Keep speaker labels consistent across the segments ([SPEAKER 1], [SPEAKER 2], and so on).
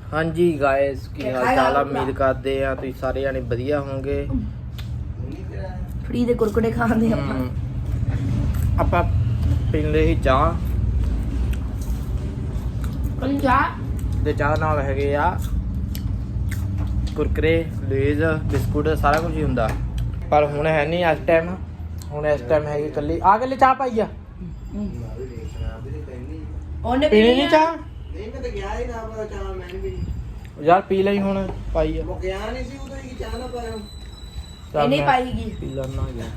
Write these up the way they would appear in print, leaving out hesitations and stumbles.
[SPEAKER 1] हाँ जी गाइस की हाल चाल उम्मीद करते हैं तुम सारे जाने बढ़िया होंगे।
[SPEAKER 2] फ्री दे कुरकुरे खांदे
[SPEAKER 1] ਆਪਾਂ ਪੀਂਦੇ ਸੀ ਚਾਹ ਤੇ ਚਾਹ ਨਾਲ ਹੈਗੇ ਆ ਕੁਰਕਰੇ ਲੇਜ਼ ਬਿਸਕੁਟ ਸਾਰਾ ਕੁਝ ਹੀ ਹੁੰਦਾ ਪਰ ਹੁਣ ਹੈ ਨਹੀਂ ਇਸ ਟਾਈਮ। ਹੁਣ ਇਸ ਟਾਈਮ ਹੈਗੀ ਕੱਲੀ ਆ ਗੱਲੇ ਚਾਹ ਪਾਈ ਆ
[SPEAKER 2] ਉਹਨੇ
[SPEAKER 1] ਪੀਣੀ ਨਹੀਂ ਚਾਹ
[SPEAKER 3] ਨਹੀਂ ਮੈਂ ਤਾਂ ਗਿਆ ਹੀ ਨਾ ਪਤਾ ਚਾਹ ਮੈਂ ਨਹੀਂ ਪੀ
[SPEAKER 1] ਯਾਰ ਪੀ ਲਈ ਹੁਣ ਪਾਈ ਆ
[SPEAKER 3] ਉਹ ਗਿਆ ਨਹੀਂ ਸੀ ਉਦੋਂ ਹੀ ਚਾਹ ਨਾ ਪਾਇਆ
[SPEAKER 1] ਚੱਲ
[SPEAKER 2] ਇਹਨੇ
[SPEAKER 1] ਮੈਂ
[SPEAKER 2] ਪਾਈਗੀ
[SPEAKER 1] ਪੀ ਲੈਣਾ ਗਿਆ।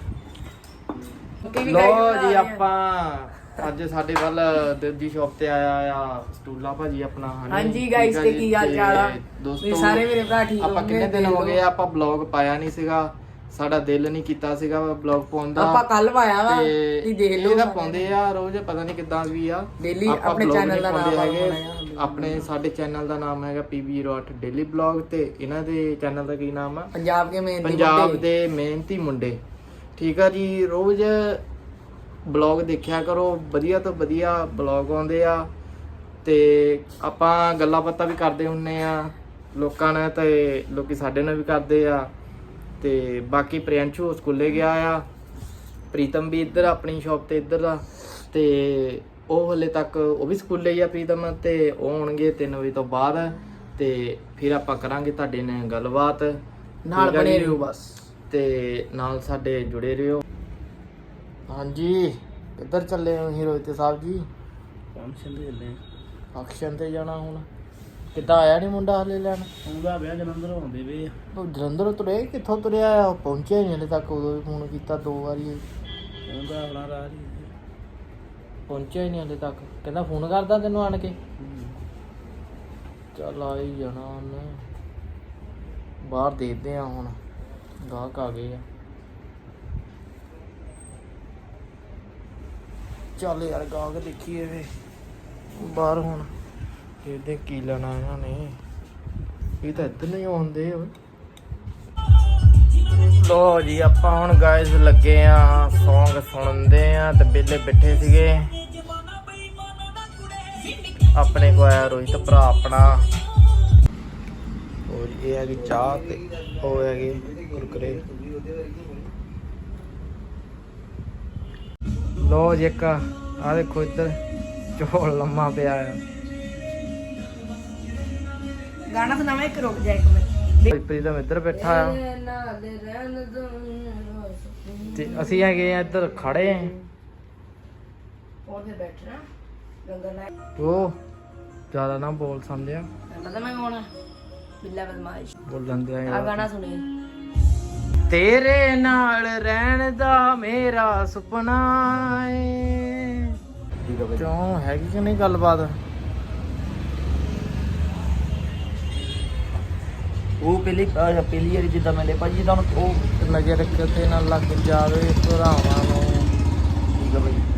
[SPEAKER 1] ਲੋ ਜੀ ਆਪਾਂ ਅੱਜ ਸਾਡੇ ਵੱਲ ਦੂਜੀ ਸ਼ਾਪ ਤੇ ਆਇਆ ਆ ਸਟੂਲਾ ਭਾਜੀ ਆਪਣਾ
[SPEAKER 2] ਹਾਂਜੀ guys, ਤੇ ਕੀ ਹਾਲ ਚਾਲ ਆ?
[SPEAKER 1] ਦੋਸਤੋ
[SPEAKER 2] ਸਾਰੇ ਮੇਰੇ ਭਰਾ ਠੀਕ
[SPEAKER 1] ਆਪਾਂ ਕਿੰਨੇ ਦਿਨ ਹੋ ਗਏ ਆਪਾਂ ਬਲੌਗ ਪਾਇਆ ਨਹੀਂ ਸੀਗਾ। ਸਾਡਾ ਦਿਲ ਨਹੀਂ ਕੀਤਾ ਸੀਗਾ ਬਲੌਗ ਪਾਉਣ ਦਾ।
[SPEAKER 2] ਆਪਾਂ ਕੱਲ ਪਾਇਆ ਵਾ
[SPEAKER 1] ਤੇ
[SPEAKER 2] ਤੁਸੀਂ ਦੇਖ ਲਓ।
[SPEAKER 1] ਇਹਦਾ ਪਾਉਂਦੇ ਆ ਰੋਜ਼ ਪਤਾ ਨਹੀਂ ਕਿੱਦਾਂ ਵੀ ਆ
[SPEAKER 2] ਡੇਲੀ
[SPEAKER 1] ਆਪਾਂ
[SPEAKER 2] ਆਪਣੇ
[SPEAKER 1] vlog
[SPEAKER 2] ਚੈਨਲ ਦਾ
[SPEAKER 1] ਨਹੀਂ
[SPEAKER 2] ਨਾਮ
[SPEAKER 1] ਪਾਉਂਦੇ ਹੈਗੇ।
[SPEAKER 2] ਹੈਗਾ
[SPEAKER 1] ਆਪਣੇ ਸਾਡੇ ਚੈਨਲ ਦਾ ਨਾਮ ਹੈਗਾ PB08 ਡੇਲੀ ਬਲੌਗ ਤੇ ਇਹਨਾਂ ਦੇ ਚੈਨਲ ਦਾ ਕੀ ਨਾਮ ਆ
[SPEAKER 2] ਪੰਜਾਬ ਕੇ ਮੇਨ
[SPEAKER 1] ਪੰਜਾਬ ਦੇ ਮਿਹਨਤੀ ਮੁੰਡੇ। ਠੀਕ ਆ ਜੀ ਰੋਜ਼ ਬਲੌਗ ਦੇਖਿਆ ਕਰੋ ਵਧੀਆ ਤੋਂ ਵਧੀਆ ਬਲੌਗ ਆਉਂਦੇ ਆ ਤੇ ਆਪਾਂ ਗੱਲਾਂ ਬਾਤਾਂ ਵੀ ਕਰਦੇ ਹੁੰਨੇ ਆ ਲੋਕਾਂ ਨਾਲ ਤੇ ਲੋਕੀ ਸਾਡੇ ਨਾਲ ਵੀ ਕਰਦੇ ਆ ਤੇ ਬਾਕੀ ਪ੍ਰਿਅੰਸ਼ੂ ਸਕੂਲੇ ਗਿਆ ਆ ਪ੍ਰੀਤਮ ਵੀ ਇੱਧਰ ਆਪਣੀ ਸ਼ਾਪ ਤੇ ਇੱਧਰ ਦਾ ਤੇ ਉਹ ਹਲੇ ਤੱਕ ਉਹ ਵੀ ਸਕੂਲੇ ਹੀ ਆ ਪ੍ਰੀਤਮ ਤੇ ਉਹ ਆਉਣਗੇ 3 ਵਜੇ ਤੋਂ ਬਾਅਦ ਤੇ ਫਿਰ ਆਪਾਂ ਕਰਾਂਗੇ ਤੁਹਾਡੇ ਨਾਲ ਗੱਲਬਾਤ
[SPEAKER 2] ਨਾਲ
[SPEAKER 1] ਠੀਕ ਆ
[SPEAKER 2] ਬਣੇ
[SPEAKER 1] ਜੀ?
[SPEAKER 2] ਰਹੋ ਬਸ
[SPEAKER 1] ਤੇ ਨਾਲ ਸਾਡੇ ਜੁੜੇ ਰਹੋ। ਹਾਂਜੀ ਕਿੱਧਰ ਚੱਲੇ ਹੋ ਹੀਰੋਇਤ ਸਾਹਿਬ ਜੀ?
[SPEAKER 3] ਫੰਕਸ਼ਨ ਤੇ ਚੱਲੇ
[SPEAKER 1] ਫੰਕਸ਼ਨ ਤੇ ਜਾਣਾ ਹੁਣ ਕਿੱਦਾਂ ਆਇਆ ਨਹੀਂ ਮੁੰਡਾ ਹਲੇ ਲੈਣ?
[SPEAKER 3] ਉਹਦਾ ਵਿਆਹ ਜਲੰਧਰ ਆਉਂਦੇ ਵੇ
[SPEAKER 1] ਉਹ ਜਲੰਧਰੋਂ ਤੁਰੇ ਕਿੱਥੋਂ ਤੁਰਿਆ ਆ? ਉਹ ਪਹੁੰਚਿਆ ਨਹੀਂ ਹਲੇ ਤੱਕ। ਉਦੋਂ ਵੀ ਫੋਨ ਕੀਤਾ 2 ਵਾਰੀ
[SPEAKER 3] ਉਹਦਾ ਆਪਣਾ ਰਾਜ ਹੀ
[SPEAKER 1] ਪਹੁੰਚਿਆ ਹੀ ਨਹੀਂ ਹਲੇ ਤੱਕ। ਕਹਿੰਦਾ ਫੋਨ ਕਰਦਾ ਤੈਨੂੰ ਆਣ ਕੇ। ਚੱਲ ਆ ਹੀ ਜਾਣਾ ਉਹਨੇ। ਬਾਹਰ ਦੇਖਦੇ ਆ ਹੁਣ ਗਾਹਕ ਆ ਗਏ ਆ। ਚੱਲ ਯਾਰ ਗਾਹਕ ਦੇਖੀਏ ਵੇ ਬਾਹਰ ਹੁਣ ਦੇਖਦੇ ਕੀ ਲੈਣਾ ਇਹਨਾਂ ਨੇ। ਇਹ ਤਾਂ ਇੱਧਰ ਨਹੀਂ ਆਉਂਦੇ ਓਏ। ਲੋ ਜੀ ਆਪਾਂ ਹੁਣ ਗਾਇਜ਼ ਲੱਗੇ ਆ ਸੌਂਗ ਸੁਣਦੇ ਆ ਤੇ ਵਿਹਲੇ ਬੈਠੇ ਸੀਗੇ। ਆਪਣੇ ਕੋ ਆਇਆ ਰੋਹਿਤ ਭਰਾ ਆਪਣਾ। ਹੋਰ ਇਹ ਹੈਗੀ ਚਾਹ ਤੇ ਉਹ ਹੈਗੇ ਕੁਰਕਰੇ। ਲੋ ਜੀ ਇੱਕ ਆ ਦੇਖੋ ਇੱਧਰ ਝੋਲ ਲੰਮਾ ਪਿਆ ਆ।
[SPEAKER 2] ਗਾਣਾ ਸੁਣਾਵਾਂ ਇੱਕ ਰੁਕ ਜਾ ਇੱਕ ਮਿੰਟ।
[SPEAKER 1] ਪ੍ਰੀਤਮ ਇੱਧਰ ਬੈਠਾ ਆ ਤੇ ਅਸੀਂ ਹੈਗੇ ਆ ਇੱਧਰ ਖੜੇ ਆ।
[SPEAKER 2] ਉਹਦੇ ਬੈਠਣਾ ਗੰਗਾ ਨਾਲ
[SPEAKER 1] ਉਹ ਜ਼ਿਆਦਾ ਨਾ ਬੋਲ ਸਮਝਿਆ
[SPEAKER 2] ਪਤਾ ਮੈਂ ਕੌਣ ਆ? ਬਿੱਲਾ ਬਦਮਾਸ਼
[SPEAKER 1] ਬੋਲਣ ਦੇ
[SPEAKER 2] ਆ ਗਾਣਾ ਸੁਣੀ
[SPEAKER 1] ਤੇਰੇ ਨਾਲ ਰਹਿਣ ਦਾ ਮੇਰਾ ਸੁਪਨਾ ਏ। ਕਿਉਂ ਹੈਗੀ ਕਿ ਨਹੀਂ ਗੱਲਬਾਤ?
[SPEAKER 3] ਉਹ ਪਹਿਲੀ ਵਾਰੀ ਜਿੱਦਾਂ ਮਿਲੇ ਭਾਜੀ ਤੁਹਾਨੂੰ
[SPEAKER 1] ਉਹ ਨਜ਼ਰ ਕਿਤੇ ਨਾ ਲੱਗ ਜਾਵੇ ਭਰਾਵਾਂ ਨੂੰ।
[SPEAKER 3] ਠੀਕ ਆ ਭਾਈ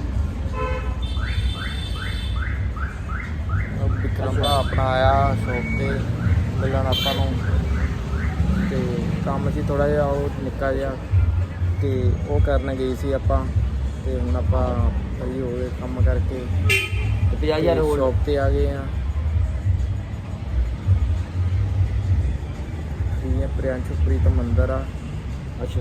[SPEAKER 1] ਉਹ ਵਿਕਰਮ ਭਰਾ ਆਪਣਾ ਆਇਆ ਸ਼ੌਪ ਤੇ ਮਿਲਣ ਆਪਾਂ ਨੂੰ ਤੇ ਕੰਮ ਸੀ ਥੋੜਾ ਜਿਹਾ ਉਹ ਨਿੱਕਾ ਜਿਹਾ ਤੇ ਉਹ ਕਰਨ ਗਏ ਸੀ ਆਪਾਂ ਤੇ ਹੁਣ ਆਪਾਂ ਫਰੀ ਹੋ ਗਏ ਕੰਮ ਕਰਕੇ
[SPEAKER 3] 50,000 ਹੋਰ
[SPEAKER 1] ਸ਼ੌਪ ਤੇ ਆ ਗਏ ਆ। ਇਹ ਪ੍ਰਿਅੰਸ਼ੂ ਪ੍ਰੀਤਮ ਅੰਦਰ ਆ।
[SPEAKER 3] ਅੱਛਾ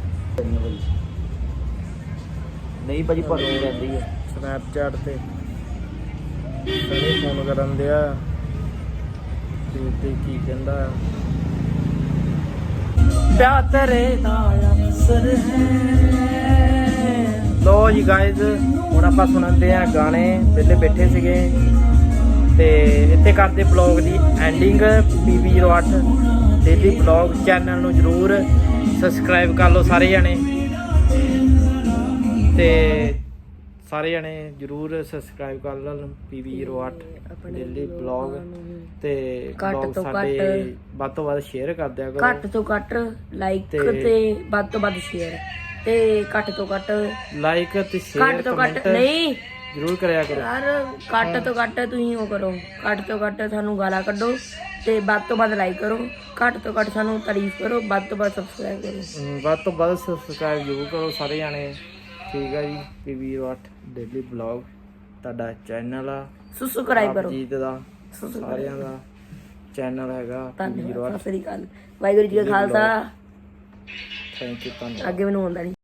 [SPEAKER 3] ਨਹੀਂ ਭਾਜੀ ਭਰਨੀ ਰਹਿੰਦੀ ਹੈ
[SPEAKER 1] ਸਨੈਪਚੈਟ ਤੇ ਸਾਰੇ ਫੋਨ ਕਰਨ ਦਿਆ ਤੇ ਕੀ ਕਹਿੰਦਾ ਆ ਪਿਆ ਤੇਰੇ ਦਾ ਅਸਰ ਹੈ। ਲੋ ਜੀ ਗਾਇਜ਼ ਹੁਣ ਆਪਾਂ ਸੁਣਦੇ ਆ ਗਾਣੇ ਪਹਿਲੇ ਬੈਠੇ ਸੀਗੇ ਤੇ ਇੱਥੇ ਕਰਦੇ ਬਲੌਗ ਦੀ ending. PB08 daily blog channel ਨੂੰ ਜਰੂਰ ਸਬਸਕ੍ਰਾਈਬ ਕਰ ਲਓ ਸਾਰੇ ਜਣੇ ਤੇ ਸਾਰੇ ਜਣੇ ਜਰੂਰ ਸਬਸਕ੍ਰਾਈਬ ਕਰ ਲਓ PB08 ਡੇਲੀ ਬਲੌਗ ਤੇ
[SPEAKER 2] ਘੱਟ ਤੋਂ
[SPEAKER 1] ਸਾਡੇ ਵੱਧ ਤੋਂ ਵੱਧ ਸ਼ੇਅਰ ਕਰ ਦਿਆ ਕਰੋ।
[SPEAKER 2] ਘੱਟ ਤੋਂ ਘੱਟ ਲਾਈਕ ਤੇ ਵੱਧ ਤੋਂ ਵੱਧ ਸ਼ੇਅਰ ਤੇ ਘੱਟ ਤੋਂ ਘੱਟ
[SPEAKER 1] ਲਾਈਕ ਤੇ ਸ਼ੇਅਰ
[SPEAKER 2] ਘੱਟ ਤੋਂ ਘੱਟ ਨਹੀਂ
[SPEAKER 1] ਜਰੂਰ ਕਰਿਆ ਕਰੋ
[SPEAKER 2] ਯਾਰ। ਘੱਟ ਤੋਂ ਘੱਟ ਤੁਸੀਂ ਉਹ ਕਰੋ ਘੱਟ ਤੋਂ ਘੱਟ ਸਾਨੂੰ ਗਾਲਾਂ ਕੱਢੋ ਤੇ ਵੱਧ ਤੋਂ ਵੱਧ ਲਾਈਕ ਕਰੋ। ਘੱਟ ਤੋਂ ਘੱਟ ਸਾਨੂੰ ਤਾਰੀਫ ਕਰੋ। ਵੱਧ ਤੋਂ ਵੱਧ ਸਬਸਕ੍ਰਾਈਬ ਕਰੋ।
[SPEAKER 1] ਵੱਧ ਤੋਂ ਵੱਧ ਸਬਸਕ੍ਰਾਈਬ ਜ਼ਰੂਰ ਕਰੋ ਸਾਰੇ ਜਾਣੇ। ਠੀਕ ਆ ਜੀ PB08 ਡੇਲੀ ਬਲੌਗ ਤੁਹਾਡਾ ਚੈਨਲ ਆ
[SPEAKER 2] ਸਬਸਕ੍ਰਾਈਬ ਕਰੋ
[SPEAKER 1] ਜੀਤ ਦਾ ਸਾਰਿਆਂ ਦਾ ਚੈਨਲ ਹੈਗਾ
[SPEAKER 2] ਧੰਨਵਾਦ, ਸਤਿ ਸ੍ਰੀ ਅਕਾਲ, ਵਾਹਿਗੁਰੂ ਜੀ ਕਾ ਖਾਲਸਾ।
[SPEAKER 1] ਥੈਂਕ ਯੂ, ਧੰਨਵਾਦ।
[SPEAKER 2] ਅੱਗੇ ਮੈਨੂੰ ਆਉਂਦਾ ਨਹੀਂ।